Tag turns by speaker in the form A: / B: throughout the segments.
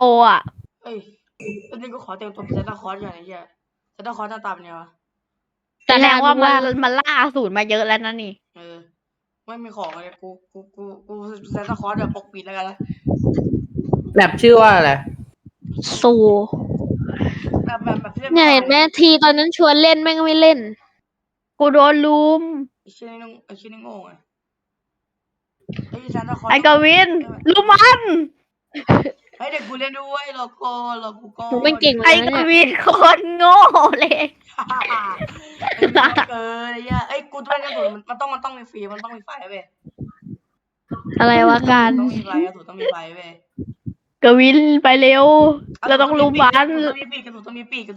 A: อ่ะ
B: เอ้ยตอนนี้กูขอเต็มตัวเป็นซานตาคลอสอย่างไอ้เหี้ยซานตาคลอสหน้าตาเป็นไงวะ
A: แสดงว่ามันล่าอสูรมาเยอะแล้วนะนี่
B: ไม่มีของเลยกูซานตาคลอสแบบปกปิดแล้วกันนะ
C: แบบชื่อว่าอะไร
D: สู
B: แบบที่เล่น
D: เนี่ยเห็นไหมทีตอนนั้นชวนเล่นแม่งไม่เล่น
A: กูโดนลุม
B: ไอ้ชื่อนี่โง่ไงไอ้ซานตาคลอส
A: ไอ้กวินลุมมัน
B: เฮ้ยเด็กกูเล่นด้วยรอกูก่อน
D: หนูไม่เก่งเล
A: ไอ้
D: ยนะ
A: ก
D: เนี่ย
A: วินคนโง่เลย
B: ไอ้เหี้ยเกินไอ้เหี้ยไอ้กูต้องเล่นกระสุนมันต้องมีฟรีมันต้องมีไฟเว้ย
D: อะไรวะการ
B: ต้องมีไฟกระสุนต้องมีไฟเว้ย
A: กวินไปเร็ว เราต้องลุมมัน
B: กระสุนต้องมีปีกกระสุนต้องมีปีก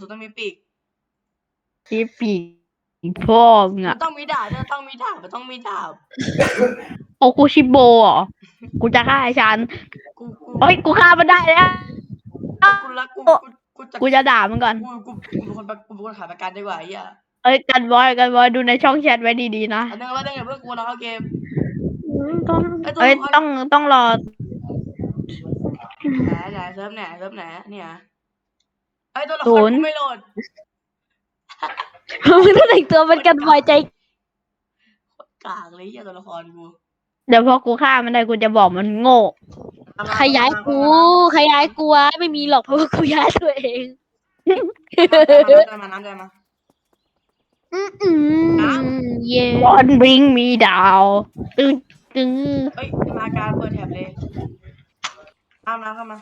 A: ที่ปีกพ่อมึง
B: มั
A: อ่ะ
B: นต้องมีดาบมันต้องมีดาบ
A: โอคุชิโบเหรอกูจะฆ่าไอ้ชัน
B: กู
A: เฮ้ยกูฆ่ามันได้แล้ว
B: กูรัก
A: กูจะด่ามันก่อน
B: กูเป็นคนขายประกันดีกว่าไอ้เหี้ย
A: เอ้ยกันบอยดูในช่องแชทไว้ดีๆนะ
B: อันนึงว่าได้ไงเพื่อนกูเราเข้าเกม
A: เอ้ยต้องรอ
B: ไหนเซิร์ฟไหนเนี่ยไอ้ตัวละครกูไม่โหลด
D: มึงต้องแต่งตัวเป็นกันบ่อยใจ
B: กากเลยไอ้ตัวละครกู
A: เดี๋ยวพอกูฆ่ามันได้กูจะบอกมันโง่
D: ขยายกูวะไม่มีหรอกเพราะว่ากูย้ายตัวเอง
B: น้ำใจมา
D: เย่
A: Don't bring me down ตึง
B: เฮ้ยมาการเปิดแท็บเลยเข้ามา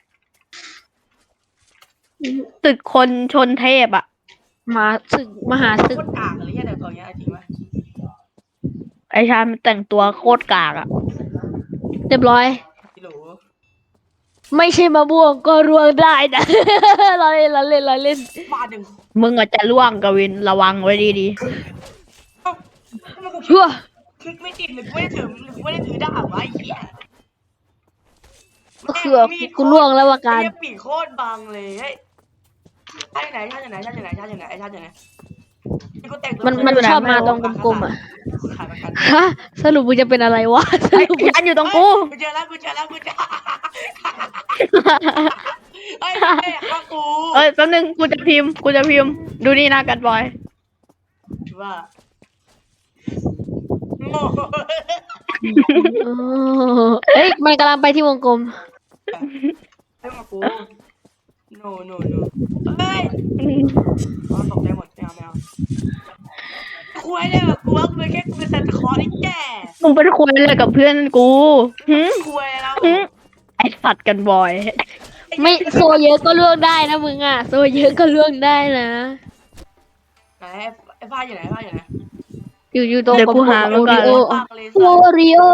A: ตึกคนชนเทพอ่ะ
D: มาศึกมหาศึก
B: โคตรกากเลยเนี่ยตัวเนี้ยจริงไหม
A: ไอ้ชามันแต่งตัวโคตรกากอ่ะ
D: เรียบร้อย
B: พี่หลู
D: ไม่ใช่มะม่วงก็ร่วงได้นะ เราเล่น
B: มาดึง
A: มึงอาจจะล่วงกวินระวังไว้ดี
B: เอ้าทำไมกู
D: เพื่อ
B: คลิกไม่ติดหรือกูไม่ได้ถือดาบวะไอ้เหี้ย
D: กูล่วงแล้วว่าการ
B: ไอ้ปีกโคตรบังเลยเฮ้ยชาติไหน
D: มันชอบมาตรงกลมๆอ่ะ
B: ขายประกัน
D: ฮะสรุปมึงจะเป็นอะไรวะ
A: ๆไอ้ชันอยู่ตรงกู
B: กูเจอแล้วเฮ้ยข้ากู
A: เอ้ยแป๊บนึงกูจะพิมพ์ดูนี่นะกันบอย
B: ว่าโง่
D: อ๋อเอ้ยมันกำลังไปที่วงกลม
B: ให้มากู no เฮ้ยตกใจหมดไม่เอาคุยเลยแบบกูว่ากูเป็นแค่กูเป็นซันตาคลอสไอ้แก่
A: มึงเป็นคนอะไรกับเพื่อนกูหึ
B: คุยแล้ว
A: ไอ้สัตว์กันบอย
D: ไม่โซเยอะก็ล่วงได้นะมึงอ่ะโซเยอะก็ล่วงได้นะ
B: ไหนไอ้ผ้าอยู่ไหน
D: อยู่ตรง
A: เดี๋ยวกูหามันก่อน
D: โอริโอ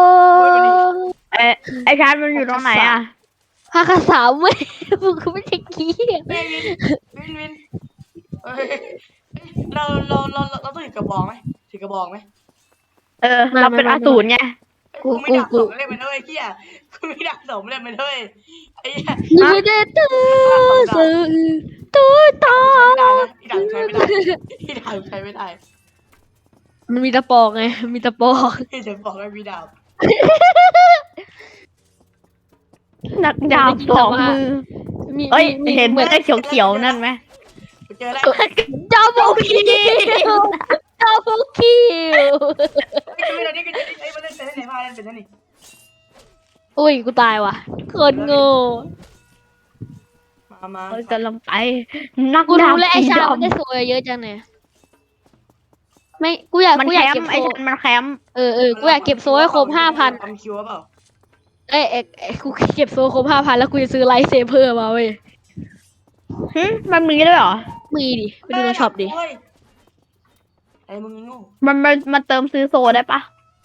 A: ไอ้ชันมันอยู่ตรงไหนอ่ะ
D: ภาคสามไม่มึงก็ไม่ใช่ขี้
B: เฮ้ยวินเฮ้ยเราต้องถือกระบองไหม
A: เราเป็นอสูรไง
B: กูไม่ดักสมเล่นไปด้วยเฮียกูไม่ดักสมเล่นไปด้วยไอ้เหี้ย
D: ยูเดตื้อซื้อตัวต่อ
B: อีดักใช้ไม่ได้
D: มันมีตะปอกไงมีตะปอก
B: ที่จะบอกให้มีดาบ
A: นักดาบสองมือเอ้ยเห็นไอ้เขียวๆนั่นไหม
B: กูเจอแล้ว
D: ดับเบิลคิวดับเบิลคิว
B: ไม่ได้นี่ไอ้มันเล่นเป็นไหนผ้าเล่นเป็นนี่
D: อุ้ยกูตายว่ะคนโง่
B: มา
A: เอ้ยกำลังไปนัก
D: กู
A: ดาบ
D: รู้แล้วไอ้
A: สี
D: ชา
A: ด
D: มันได้โซยเยอะจังเนี่ยไม่กูอยาก
A: ำมัน
D: กูอ
A: แค
D: ยาก
A: ม
D: เก็บ
A: ป์
D: โซ
A: ไอ้ชันมันแคมป์
D: กูอยากเก็บโซให้ครบ5,000
B: ทำคิวเปล่า
D: เอ้ยกูเก็บโซครบ5,000แล้วกูจะซื้อไลท์เซเบอร์มาเว้ย
A: มันมีด้วยเหรอ
D: มีดิไปดูในช็อปดิ
B: ไอ้มึงโง่
A: มันเติมซื้อโซได้ปะ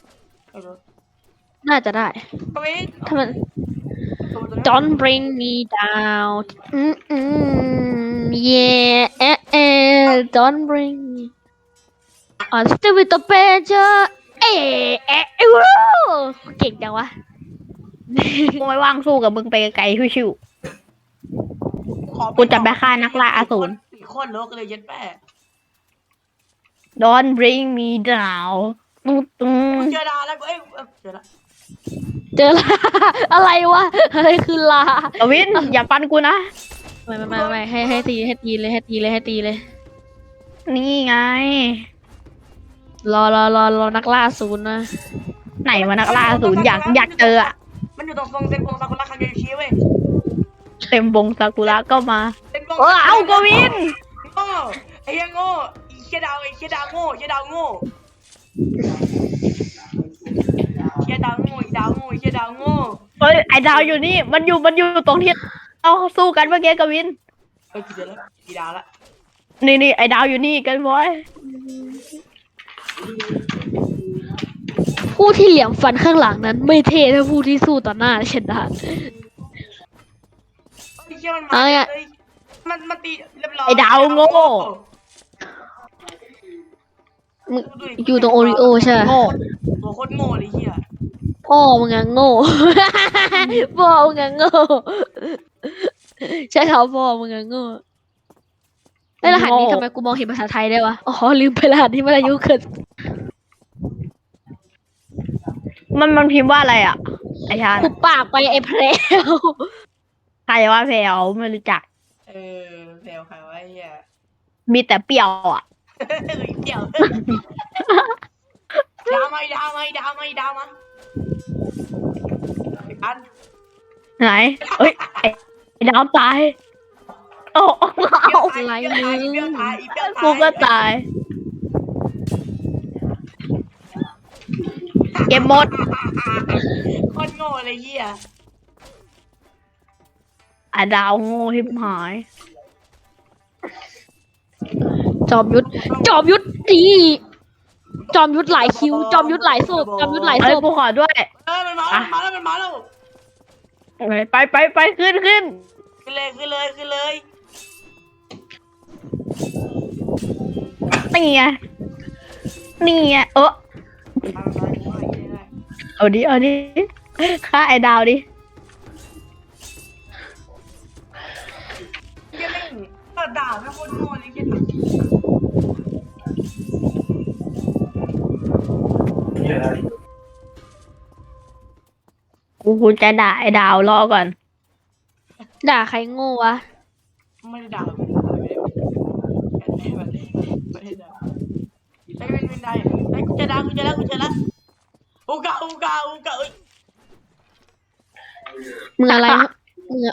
D: น่าจะได้
B: ก็ไม่
D: ถ้ามัน Don't bring me down yeah don't bring me on still with the pleasure เก่งจังวะ
A: กูไม่ว่างสู้กับมึงไปไกลชิว กูจะไปฆ่านักล่าอสูร
B: ปีโคตรโลกเลยยัดแม่
A: ๆ Don't bring me down
B: เจอดาแล้วกูเจอละ
D: เจอลา อะไรวะอะไรคือลาก
A: วินอย่าปันกูนะ
D: ไม่ให้ตีเลย
A: นี่ไง
D: รอนักล่าศูนย์นะ
A: ไหนวะนักล่าศูนย์อยากเจออะ
B: มันอยู่ตรงทรงเซนโกงซากุระคาเกชิเว้ย
A: เต็มวงซากุระก็มา
B: เซนโกง
A: เอากวิน
B: โง่ไอ้เหี้ยโง่ไอ้เหี้ยดาวโง่เหี้ยดาวโง่เหี้ยดาวโง่เหี้ยดาวโง่
A: เฮ้ยไอดาวอยู่นี่มันอยู่ตรงที่เราสู้กันเมื่อกี้กวิน
B: เฮ้ยกี่เดือนแล้วกี่ดาวละ
A: นี่ไอดาวอยู่นี่กันบอย
D: ผู้ที่เหลี่ยมฟันข้างหลังนั้น ไม่เท่เท่าผู้ที่สู้ต่อหน้าเช่นนั้น
B: ไอ้เหี้ยมันมาเลยมันตีเรียบร้อย
A: ไอดาวโง่
D: มึงอยู่ตรงโอริโอใช่ไหม
A: โง่
B: ตัวโคตรโง่เลยเหี้ย
D: พ่อมึงอะโง่ พ่อมึงอะโง่ใช่เขาพ่อมึงอะโง่ไอ้รหัสนี้ทำไมกูมองเห็นภาษาไทยได้วะอ๋อลืมไปรหัสนี้มันอายุเกิน
A: มันพิมพ์ว่าอะไรอ่ะไอชาญ
D: กูปากไปไอ้แพรว
A: ใครว่าแพลวไม่รู้จัก
B: แถวใครวะไอ้เหี้ย
A: มีแต่เปรี้ยวอ่ะ
B: เกี่ยวดาวมาอัน
A: ไหนเอ้ยไอดาวตายโอ้เอา
D: อะไร
B: เปรี้ยว
D: มึง
B: ตาย
A: กูก็ตาย เก็บหมด
B: โคตรโง่เลยเหี้ย
A: ไอดาวโง่ทิบหาย
D: จอมยุทธดีจอมยุทธหลายคิว จอมยุทธหลายศพจอมยุทธหลายศ
A: เอ้ย
D: พ
A: กูขอด้วย
B: มันมาแล้ว
A: ไปขึ้น
B: ขึ้นเลย
A: นี่ไงเอาดิฆ่าไอดาวดิ
B: เหี้ยแม่งก็ด่าแม่งโคตรโง่เลยเหี้ย
A: กูจะด่าไอดาวรอก่อน
D: ด่าใครโง่วะ
B: ไม่ได้ด่าไม่ได้ด่าไอ้เป็นได้ไอ้กูจะด่าอูกาเอ้ย
D: มึงอะไรมึงอะ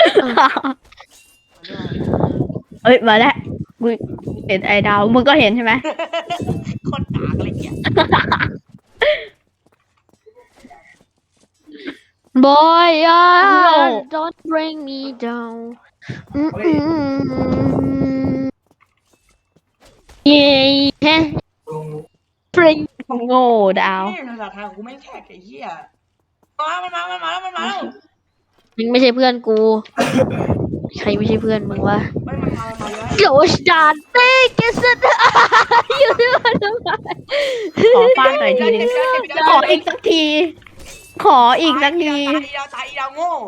A: เอ้ยมาแล้วกูเห็นไอดาวมึงก็เห็นใช่ไหม
B: คนด่าอะไรเงี้ย
D: บอยอ่ะ
A: โง่
D: don't bring me down เย้ฮะ bring
A: โง่ดาว
B: นี่ภาษาไทยกูไม่แขกไอ้เหี้ยมันมาแล้ว
D: มึงไม่ใช่เพื่อนกู ใครไม่ใช่เพื่อนมึงวะ
B: ไม่มันมาเยอะ
D: โจชดานเต้เกสต์อยู่ที่มันทำไม
A: ขอฟาดหน่อยทีนึงขออีกสักที
B: ตายดาวโง่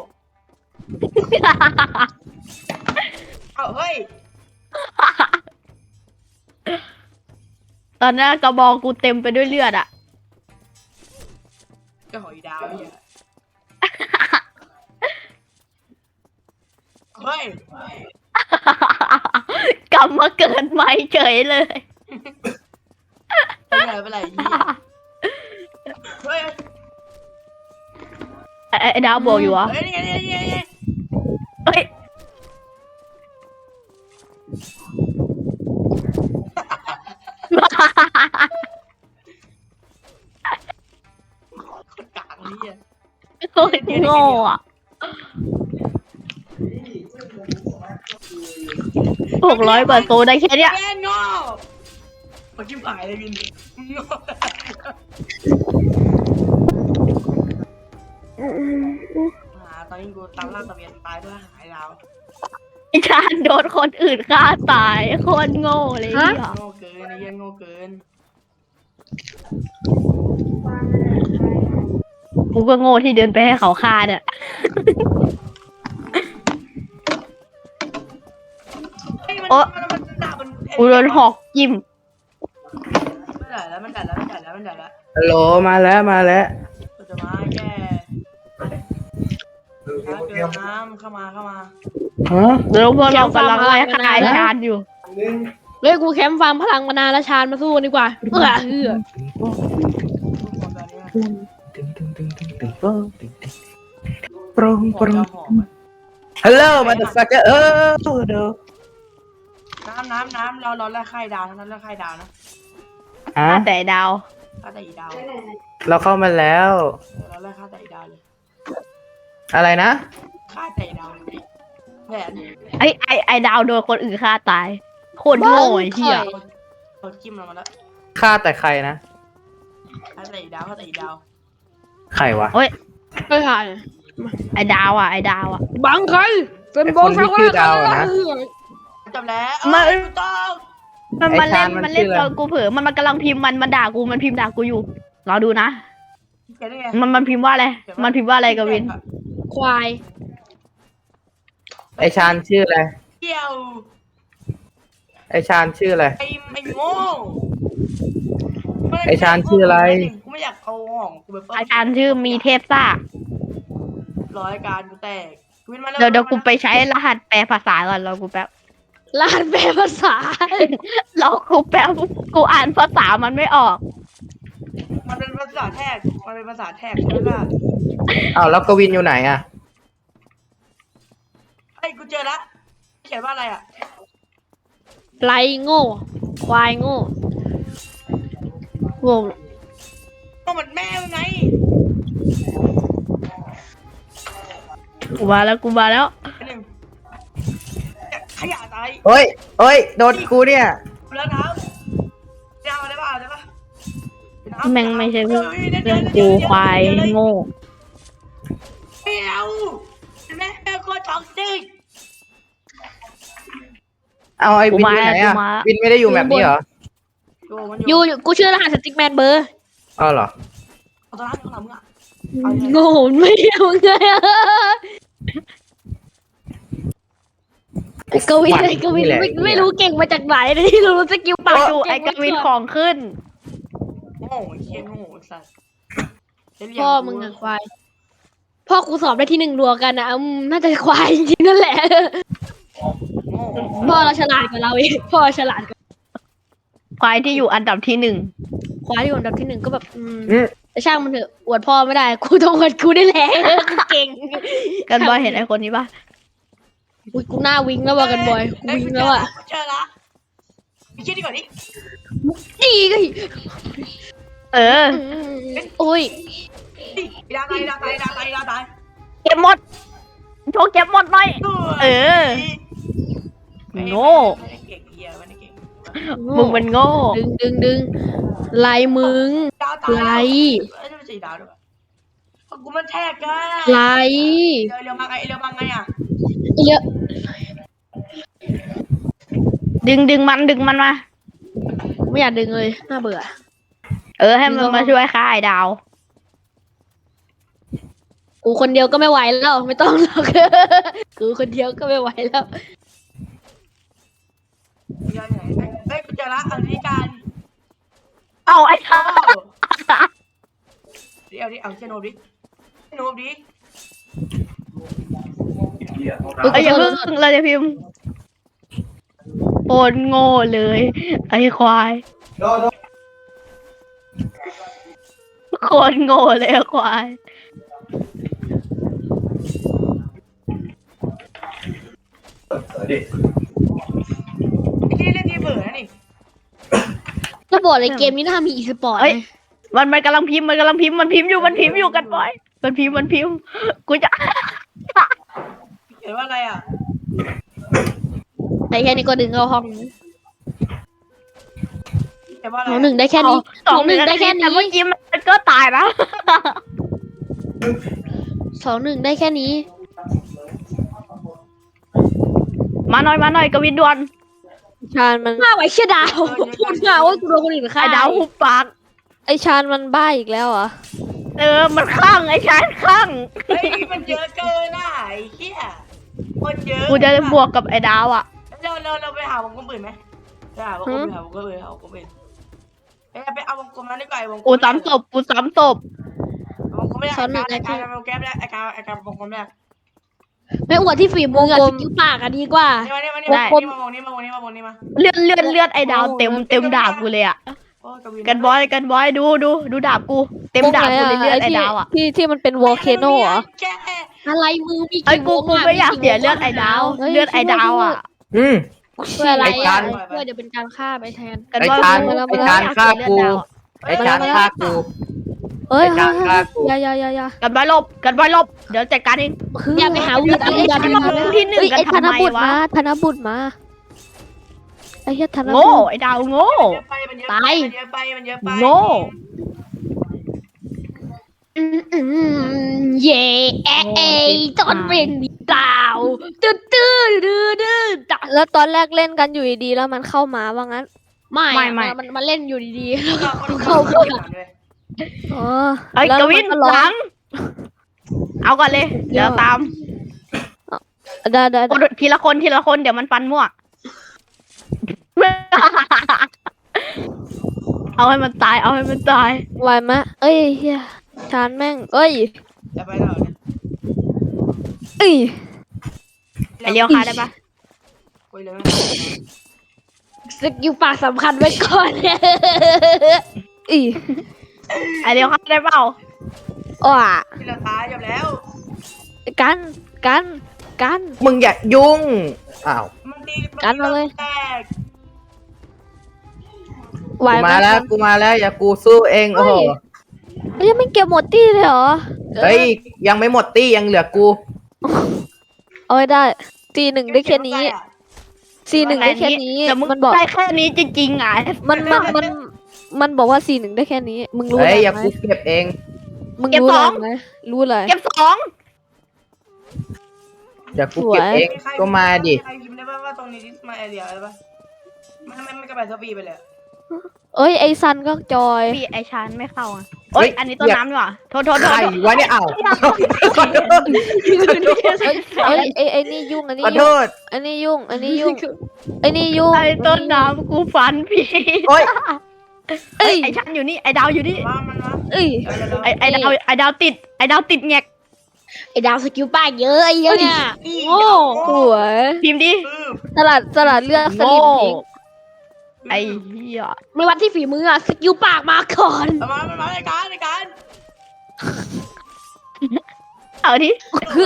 B: เอาเฮ้ย
A: ตอนนั้นกระบอกกูเต็มไปด้วยเลือดอ่ะ
B: ก็หอยดาวเนี่ยเฮ้ย
A: กลับมาเกิดใหม่เฉยเลย
B: เป็นไรเฮ้ย
A: ไอ้ดาวบอกอยู่วะ
B: เฮ้ยนี่ไง
A: เฮ้ย
B: คนกลางนี่
A: โคตรโง่อ่ะ600 กว่าโซได้แค่เนี้ย
B: แม่งโง่มาจิ้มหายเลยวินโง่ตอนนี้กูตามล่าตะเวียนตายด้วยหายดาว
A: ไอ้ชาญโดนคนอื่นฆ่าตายโคตรโง่เลยเนี่ย
B: โง่เกินไอ้เหี้ยโง่เกิน
A: กูก็โง่ที่เดินไปให้เขาฆ่าเนี่ย โอ๊ะ กูโดนหอกจิ้ม
B: มันด่าแล้ว
C: ฮัลโหลมาแล้ว
B: กูจะมาแก้เกินน้ำเข้ามา
C: ฮะ
A: เดี๋ยวพวกเรากำลังไล่ฆ่าไอ้ชานอยู่
D: เฮ้ยกูแคมป์ฟาร์มพลังมานานแล้วชาญมาสู้กันดีกว่าเออ
C: ปรุงปรุง
B: หอม
C: ฮัลโหลมาเดอะฟักเกอร์เด้อ
B: น้ำเราไล่ไข่ดาวนะไล่ไข่ดาวนะ
C: ฮะ
A: ฆ่าแต่ดาว
B: ฆ่าแต่อีดาว
C: เราเข้ามาแล้ว
B: เราไล่ฆ่าแต่อีดาวเลย
C: อะไรนะ
B: ฆ่าแต่อีดาวแหวน
A: ไอ้ดาวโดนคนอื่นฆ่าตายโคตรโง่ไอ้เหี้ย
B: เราจิ้มเรามาแล้ว
C: ฆ่าแต่ใครนะ
B: ฆ่าแต่อีดาว
C: ใครวะ
D: ไม่ผ่าน
A: ไอ้ดาวอ่ะไอ้ดาวอ่ะ
D: บังใครเป็นบอล
C: ไอ้คนที่ชื่อดาวอะนะ
B: จบแล้ว
A: มัน
B: ต้อง
A: มันเล่น
C: ไอ้ชาญมันชื่ออะไร
A: ตอนกูเผลอมันกำลังพิมพ์มันด่ากูมันพิมพ์ด่ากูอยู่รอดูนะ
B: เขียนได้ไง
A: มันพิมพ์ว่าอะไรมันพิมพ์ว่าอะไรกวิน
D: ควาย
C: ไอชานชื่ออะไร
B: เกี่ยว
C: ไอชานชื่ออะไร
B: ไอ้โง่
C: ไอ้ชาญชื่ออะไร
B: กูไม่อยากเอาของกูไปเปิด
A: อาจารย์ชื่อมีเทพซ่า
B: ร้อยการกูแตกวินมา
A: เดี๋ยวกูไปใช้รหัสแปลภาษาก่อนรอกูแป๊บ
D: ลานแปลภาษาร
A: อกูแป๊บกูอ่านภาษามันไม่ออก
B: มันเป็นภาษาแท็กใช่ไหมล่ะ
C: อ้าวแล้วกวินอยู่ไหนอ่ะ
B: ไอ้กูเจอละเขียนว่าอะไรอ่ะ
D: ไรโง่ ควายโง่งง
B: ก็เหมือนแม่มึงไง
A: กูมาแล้ว
B: ไอ้หนึ่งขยะตาย
C: เฮ้ยโดนกูเนี่ย
B: แล้วน้ำจะเอาได้ป่ะได้ป่ะ
A: แม่งไม่ใช่เรื่องกูควายโง่
B: เมียวแม่โคตรท็อกซิก
C: เอาไอ้วินอยู่ไหนอ่ะ
A: กูมา
C: วินไม่ได้อยู่แบบนี้เหรอ
D: อยู่กูชื่อรหัสสติ๊กแมนเบอร์
C: อ้าวเหรอ
B: เอาตัวนั้นของเรามึงอ่ะ
D: โง่ไม่เอาไงอะไอ้กวินไม่รู้เก่งมาจากไหนเลยที่รู้สกิล
A: ปา
D: ปาก
A: ดูไอ้กวินของขึ้น
B: โง่เชี่ยโง่สัส
D: พ่อมึงอะควายพ่อกูสอบได้ที่หนึ่งรัวกันนะน่าจะควายจริงๆนั่นแหละ
B: โง่
D: พ่อเราฉลาดกว่าเราเองพ่อฉลาดกว่า
A: ควายที่อยู่อันดับที่หนึ่ง
D: ควายที่อยู่อันดับที่หนึ่งก็แบบ
C: อืม
D: แต่ช่างมันเถอะอวดพ่อไม่ได้กูต้องอวดกูได้แหละกูเก่ง
A: กันบอยเห็นไอ้คนนี้ปะ
D: อุ้ยกูหน้าวิงแล้วว่ะกันบอยกูวิงแล้วอ่ะ
B: เจอละไปคิดดีกว่านี้
D: ดีก็
A: เออ
D: โอ้ย
B: ดาตาย
A: เก็บหมดโชว์เก็บหมดหน่อย เออ โง่
B: ไม่ได้เก่งเหี้ยไม่ได้เก่ง
A: มึงมันโง่
D: ดึงไล่มึง
B: ดาวตาย
D: ไล่
B: เอ้ยไม่ใช่ดาวด้วยกูมันแท็กอะ
D: ไล่
B: เร็วมาไงอ่ะ
D: เยอะ
A: ดึงมันมา
D: ไม่อยากดึงเลยน่าเบื่อ
A: เออให้มันมาช่วยฆ่าไอ้ดาว
D: กูคนเดียวก็ไม่ไหวแล้วไม่ต้องหรอก กูคนเดียวก็ไม่ไหวแล้ว
B: เฮ้ยกูเจอละอันนี้การ
A: เอาไอ้ชา
B: เดี๋ยวดิเอาเชนโนบดิ
A: ไอ้อย่าเพิ่งเราจะพิมพ์โอนโง่เลย ไอ้ควายโคตรโง่เลยไอ้ควาย
B: ที่เล่นที่เบื่อนี่
D: จะบอกเลยเกมนี้น่ามีอีสปอร์ต
A: เอ้ย มันกำลังพิมพ์มันพิมพ์อยู่กันบ่อยมันพิมพ์กูจะ
B: เห็นว่าอะไรอ่ะ
D: แต่แค่นี้ก็ดึงเข้าห้อง
B: เห็นว่าอะไร
D: หนึ่งได้แค่นี้
A: สองหนึ่ง
D: ได้แค่
A: แต่
D: นี้
A: เมื่อกี้มันก็ตายนะ
D: 2-1ได้แค่นี้
A: มาหน่อยกวินดวน
E: ชาญมัน
D: มาไว้เชี่ยดาวพูดมาว่ากูโดนคนอื่นฆ่า
A: ไอ้ดาวหุบปาก
E: ไอชาญมันบ้าอีกแล้วเหรอ
A: เออมันคลั่งไอ้ชายคลั่ง
B: เฮ้ยมันเยอะเกินอ่ะไอ้เหี้ยคนเยอะ
A: กูจะบวกกับไอ้ดาวอ่ะ
B: เราไปหาวงกลมอื่นไหมไปหาวงกลมอื่นเอ้ยไปเอาวงกลมนั้นดีกว่าไอ้วงกลม
A: กูซ้ำศพ
B: วงกลมไม่ได้ไอ้การวงกลมแรก
D: ไม่อวดที่ฝีมืออะสกิลปากอะดีกว่า
B: นี่มานี่มานี่มามองนี่มามองนี่มามองนี่มา
A: เลือดไอ้ดาวเต็มดาบกูเลยอ่ะ
B: โอ้กวิน
A: กันบอยดูดาบกูเต็มดาบกูเลยเลือดไอ้ดาวอ่ะ
E: ที่มันเป็นวอลเคโนเหรอ
B: แก
D: อะไรมือมี
A: ไอ้
D: กี่
A: กู
D: วงะ
A: ไม่อยากเสียเลือดไอ้ดาว
E: เฮ้ย
A: เลือดไอ้ดาวอ่ะ
C: อืม
D: เพื่ออะไร
C: ไอ้กา
D: อะ
C: ร
D: เพื่อเดี๋ยวเป็นการฆ่าไปแทน
A: กันบอย
C: ไอ้การฆ่ากู ไอ้ชานฆ่ากู
E: เอ้ย
C: ไอ้การฆ่ากู
E: อย่า
A: กันบอยลบเดี๋ยวจัดการเอง
D: อย่าไปหาวีด
A: มึงจะมาลงที่หนึ่ง
E: เอ้ย
A: กัน
E: ไอ้ธ
A: ทำ
E: น
A: ไม
E: บุตร
A: วะ
E: มาธนบุตรมาไอ้เหี้ยธนบุ
A: โง่
E: ตร
A: ไอ้ดาวโง่
B: มันเยอะไปมันเยอะไปมันเยอะไป
A: โง่
D: เย่เอจอนเร่งดีดาวตื้อตา
E: แล้วตอนแรกเล่นกันอยู่ดีๆแล้วมันเข้ามาว่างั้น
D: ไม่มันเล่นอยู่ดีๆ
B: เข้าไป
E: อ๋อ
A: ไอ้
E: แล้ว
A: กวิน
E: มัร้อ
A: หลัง เอาก่อนเลย เดี๋ยวตาม
E: ได้
A: ทีละคนเดี๋ยวมันฟันมั่ว เอาให้มันตาย
E: ไหวไหมเอ้ยเฮียชานแม่งเอ้ย
B: จะไปแล้วเนี่ย
E: เอ้ย
A: ไอเลี้ยวคาได้ปะ
B: คุยเลย
D: สกิลปากสำคัญไว้ก่อน
E: เอ้ย
A: ไอเลี้ยวคาได้เปล่า
E: อ้า
B: ที่เราตายจบแล้ว
E: กัน
C: มึงอย่ายุ่ง อ้าว
B: มันตี
E: กันมาเลย
B: แตก
E: ไหว
C: กู
E: ไหม
C: มาแล้ว กูมาแล้ว อย่ากูสู้เอง โอ้โห
E: เฮ้ยไม่เก็บหมดตี้เลยเหรอ
C: เฮ้ย ยังไม่หมดตี้ยังเหลือกู
E: เอาไว้ได้ตีหนึ่งได้แค่นี้ซีหนึ่งได้แค่นี้
A: แต่มึง
E: มันบอก
A: ได้แค่นี้จริงๆอ่ะ
E: มันบอกว่าซีหนึ่งได้แค่นี้ มึงรู้
C: เฮ้ย
E: อะไร
C: อย่า
E: ไหม
C: กูเก็บเอง
E: มึงรู้อะไรไหมรู้อะไร
A: เก็บ2
C: อย่ากูเก็บเอง ก็มาดิ
B: ใครพิมพ์ได้ป่ะว่าตรงนี้มาแอเรียอะไรป่ะไม่กระบายสปีไปเลย
E: เอ้ยไอซันก็จอย
A: พี่ไอชานไม่เข้าอ่ะเอ้ย อันนี้ต้นน้ำดีกว่าโทษ
C: ใครวะเนี่ย อ้าว
E: เอ้ยไอนี่ยุ่งอันนี้
C: ขอโท
E: ยุ่ง
C: ษ
E: อันนี้ยุ่งอันนี้ยุ่งไอนี่ยุ่ง
A: ไอต้นน้ำกูฟันพี่
C: โอ๊ย
A: เอ้ยไอชานอยู่นี่ ไอดาวอยู่นี่
B: ว่ามันวะ
E: เอ้ย
A: ไอดาวติดแงก
D: ไอ้ดาวสกิลปากเยอะไอ้เหี้ยเนี่ย โง่
E: สวย
A: พิมพ์ดิ
E: สลัดเลือกส
A: โง่
E: ลิมทิ้ง
A: ไอเหี้ย
D: ไม่วัดที่ฝีมืออะสกิลปากมาก่อน
B: มาในการ
A: เอาดิ
E: คือ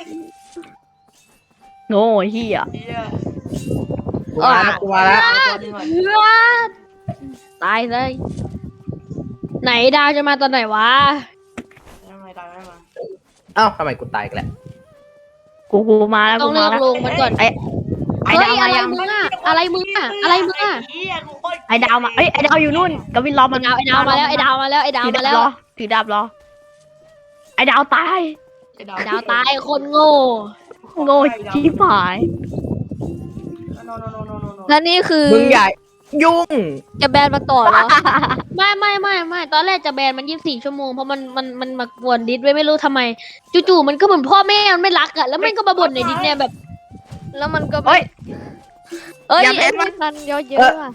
A: โง่เหี้ย
C: กูมาแล้ว กูมาแล้ว
D: ตายเลย ไหนดาวจะมาตอนไหนวะ
C: เอ้าทำไมกูตายอีกันแหละ
A: กูมาแล้ว
D: ต้อง
A: กู
D: เลื
A: มา
D: อก
A: แล้ว
D: ลงมันก่อน
A: ไอ
D: เฮ้
A: ดาวย มา
D: อะไร
A: ยัง
D: มึงอะอะไรมึงอะอะไรมึงอะ
A: ไอดาวมาเอ้ยไอดาวอยู่นู่นกวินรอมัน
D: ไอ้ดาวมาแล้วไอ้ดาวมาแล้วไอ้ดาว
A: ถือ
D: มา
A: ดา
D: แล้
A: บ
D: ว
A: รอถือดาบรอไอดาวตาย
D: ดาวตายคนโง่
A: โง่ชิบหาย
E: แล้วนี่คือ
C: มึงอย่ายุ่ง
E: จะแบนมาต่อเหรอ
D: ไม่ตอนแรกจะแบนมัน24 ชั่วโมงเพราะมันมากวนดิสไว้ไม่รู้ทำไมจู่ๆมันก็เหมือนพ่อแม่มันไม่รักอะแล้วมันก็มาบ่นในดิสเนี่ยแบบ
E: แล้วมันก็
A: เอ้ย
E: เอ้ย
A: อย่าแบ
E: ไอ้
A: นมัน
E: ซันเยอะๆว่ะ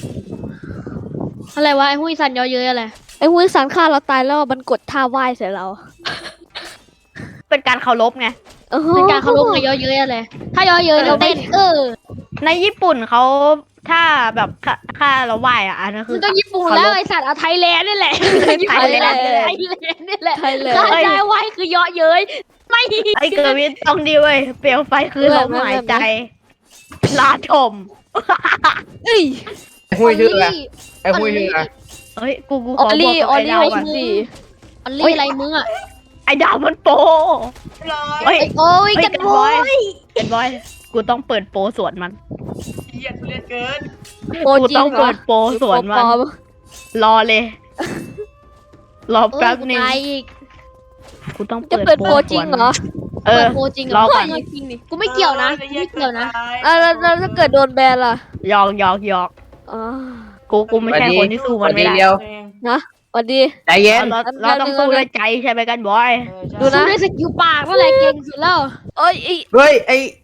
D: อะไรวะไอ้หุ้ยสันเยอะเยอะอะไร
E: ไอ้หุ้ยซันฆ่าเราตายแล้วมันกดท่าไหว้ใส่เรา
A: เป็นการเคารพไง
D: เป็นการเคารพไงเยอะเยอะอะไรถ้าเยอะเยอะเราเต้น
A: ในญี่ปุ่นเขาถ้าแบบค่าเราไหว้อะอันนั้นคื
D: มั
A: อน
D: ก็ญี่ปุ่นแล้วไอ้สัตว์เอาไทยแลนด์นี่แหละ
A: ไทยแลนด์
D: ไทยแลนด์นี่แหละ
E: ไทยเลย
D: ข้าใจไว้คือเยอะเย้ยไม่
A: ไอเกิร์วินต้องดีเว้ยเปลวไฟคือลมหายใจลาชม
E: เอ้ย
C: ไอ้หุ้ยชื่ออะไรไอ้หุ้ยชื่ออะไร
A: เฮ้ยกู
E: อ
A: ข
E: อ
A: อ
E: ล
A: บว
E: ลี่
A: กกับ
E: ออ
A: ไอ
E: ลลี่
A: ดาว
E: ไว้
A: ก่อน
E: สิ
D: อันลี่อะไรมึงอ่ะ
A: ไอดาวมันโปเฮ้ย
D: โอ้ย
A: เฮ้ย
D: กัน
A: กัน
D: บบ อ
A: อย ยกันบอยกูต้องเปิดโปรสวนมัน
B: เหี้ยทุเรศเกิน
E: โปร
A: กู
E: จริ
A: ต้อง ง
E: เหร
A: เปิ
E: อ
A: ดโปรสวนมัน
E: โปรปลอม
A: รอเลย รอแป๊บนึง
D: ตายอีก
A: กูต้อง
E: จะเปิดโปรจริงเหรอ
A: เอ
D: เปิ
A: อ
D: ดโปรจริงเหร
A: ร
D: อ
A: อก่อน
D: จริงดิกูไม่เกี่ยวนะกูไม่เกี่ยวนะ
E: แล้วถ้าเกิดโดนแบนล่ะ
A: หยอก
E: อ๋อ
A: กูไม่ใช่คนที่สู้มันไม่ได้
C: เดียว
E: สวัสดี
C: ใจเย็น
A: เราต้องสู้ด้วยใจใช่ไหมกันบอย
E: ดูนะ
D: สู้ด้วยสกิลปากนั่นแหละเก่งสุดแล้ว
E: เอ้ย
C: เฮ้ย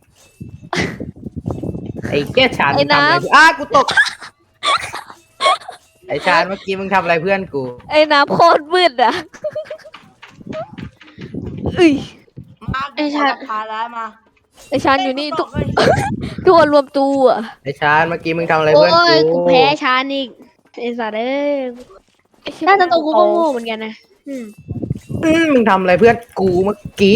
C: ไอ้แก้ชาน
E: ไอ้
C: มึงทำอะไร
E: น้ำ
C: กูตก ไอ้ชานเมื่อกี้มึงทำอะไรเพื่อนกู
E: ไอ้น้ำโคตรมืดอ่ะเอ้ย
B: มาพาแล้วมา
E: ไอชานอยู่นี่ทุก
B: เฮ้ย
E: ทุกคนรวมตัว
C: ไอชานเมื่อกี้มึงทำอะไร
D: โอ้
C: เพื่อน
D: ย
C: กู
D: กูแพ้ชาอีกไอ้สัตว์เอ้ยหน้าตาตัวกูก็โง่เหมือนกันนะอืม
C: มึงทำอะไรเพื่อนกูเมื่อกี้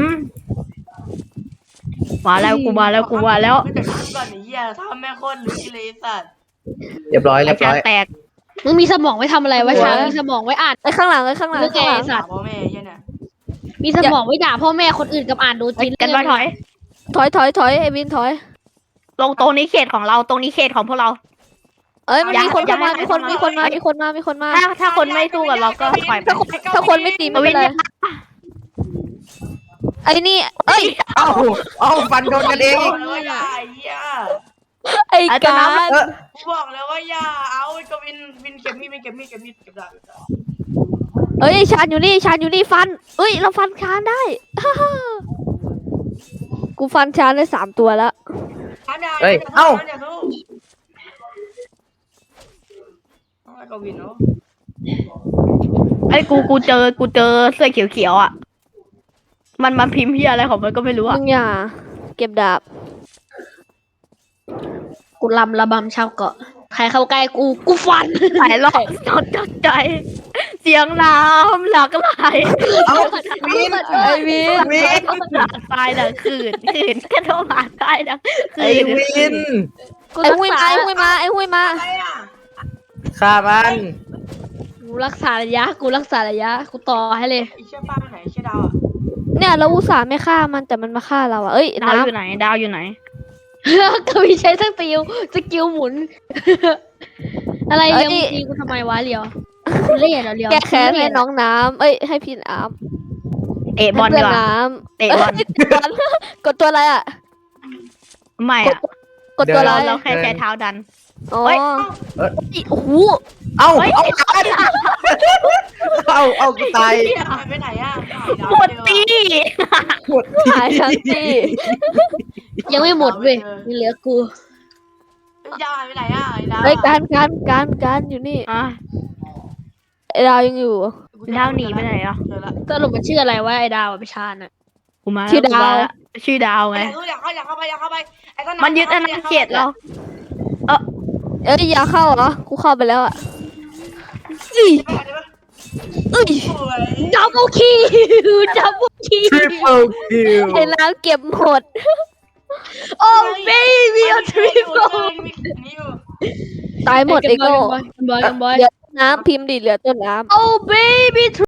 A: มาแล้วกูมาแล้วกูมาแล้ว
B: ไม่แต่กูก่อนไอ้เหี้ยทำแม่โคตรลึกเลยสัตว์
C: เรียบร้อย
A: ไอ้
C: เรียบ
A: ชา
C: ร้อย
A: แตก
D: มึงมีสมองไว้ทำอะไรวะชามีสมองไว้อ่าน
E: ไอข้างหลังไอข้างหลัง
D: เรื่องไง
E: ข้างหลัง
D: สัตว์
B: พ่อแม่เหี้ยเนี่ย
D: มีสมองไว้ด่าพ่อแม่คนอื่นกับอ่านดู
A: ไอ้
D: จิน
A: กันบอยถอย
E: ถอยไอวินถอย
A: ลงตรงนี้เขตของเราตรงนี้เขตของพวกเรา
E: เอ้ยมัน
A: อย่า
E: มีคน
A: อย่า
E: เข้ามา
A: ให้
E: มีคนมามีคนมามีคนมา
A: ถ้าคนไม่สู้กับเราก็ปล่อยไป
E: ถ้าคนไม่ตีไม่เป็นไรไอ้นี่เอ้ย
C: เอ้าฟันโดนกันเองอีก
B: บอกแล้วว่าอย่าไอ้เหี้ย
E: ไอ้
A: ไอ้ตัว
E: กา
A: น้ำ
E: ร
B: กูบอกแล้วว่าอย่าเอาไอ้กวินเก็บมีดเก็บดาบ
E: เอ้ยชานอยู่นี่ชานอยู่นี่ฟันเอ้ยเราฟันชานได้ กูฟันชานได้3 ตัวแล้ว
C: เฮ้ยเอ้า
B: ไอ้กวินเนาะ
A: ไอ้กูเจอเสื้อเขียวๆอ่ะมันพิมพ์เฮียอะไรของมันก็ไม่รู้
E: มึ
A: อ่ะ
E: งอย่าเก็บดาบ
D: กูลำระบำชาวเกาะใครเข้าใกล้กูฟัน
A: หลายรอบจดใจ เสียงน้ำหลากไหล
C: เอ้าวิน
E: ไอ้วิน
C: วิน
A: หลากตายดังคืนก็โดนหลากตายดังคื
C: ไอ้
A: น
C: วิน
E: ไอ้หุยมาไอ้หุยมาไอ้หุยมา
B: อะไรอ่ะ
C: ฆ่ามัน
D: กูรักษาระยะกูต่อให้เลย
B: ไอ้เชี่ยป้าไปไหนไอ้เชี่ยดาวอ่ะ
E: เนี่ยเราอุตส่าห์ไม่ฆ่ามันแต่มันมาฆ่าเราอ่ะเอ้ย
A: ดาว
E: น้
A: อยู่ไหนดาวอยู่ไหน
D: ก็มีใช้สกิลหมุน อะไรเลี้ยวตีกูทำไมวะเลี้ยวกูเล่นเหรอเลี้ยว
E: ำแก้แค้นให้น้องน้ำเอ้ยให้พี่น้
A: เตะ
E: ำ
A: บอล
E: ให้
A: ดี
E: เพื่อน
A: กว่า
E: น้
A: เตะ
E: ำ
A: บอล
E: กดตัวอะไรอ่ะ
A: ไม่อะ
E: กดตัวอะไร
A: เราแค่ใช้เท้าดัน
E: อ๋อ
A: เฮ้ย
E: โอ้โห
C: เอ้าเอากูตาย
B: เชี่ยหายไปไหนอ่ะ
A: ปวดตี
C: ปวด
E: หายทั้งที่
D: ยังไม่หมดเว้ยยังเหลือกู
B: ดาวหายไปไหนอ่ะไอ้ดาว
E: เฮ้ยการอยู่นี่
A: อ่ะ
E: ไอ้ดาวยังอยู่
A: ดาวหนีไปไหนอ่ะ
B: เจอละ
D: สรุปมันชื่ออะไรวะไอ้ดาวไปชาญอ่ะ
A: กูมา
E: ชื่อดาว
A: กูมแล้ชื่อดาวไง
B: อยากเข้าไปไอ้ต้น
A: มันยึดอาณาเขตเรา
E: เอ้ยอย่าเข้าเหรอกูเข้าไปแล้วอ่ะอีเอ้ย
D: ดับเบิลคีดับเบิลคี
C: ทริปเปิลคิว
E: ไอ้น้ำเก็บหมด
D: โอ้เบบี้ทริปเปิล
E: ตายหมดไอ้โง่
D: บอย
E: เหลือต้นน้ำพิมพ์ดิเหลือต้นน้ำ
D: โอ้เบบี้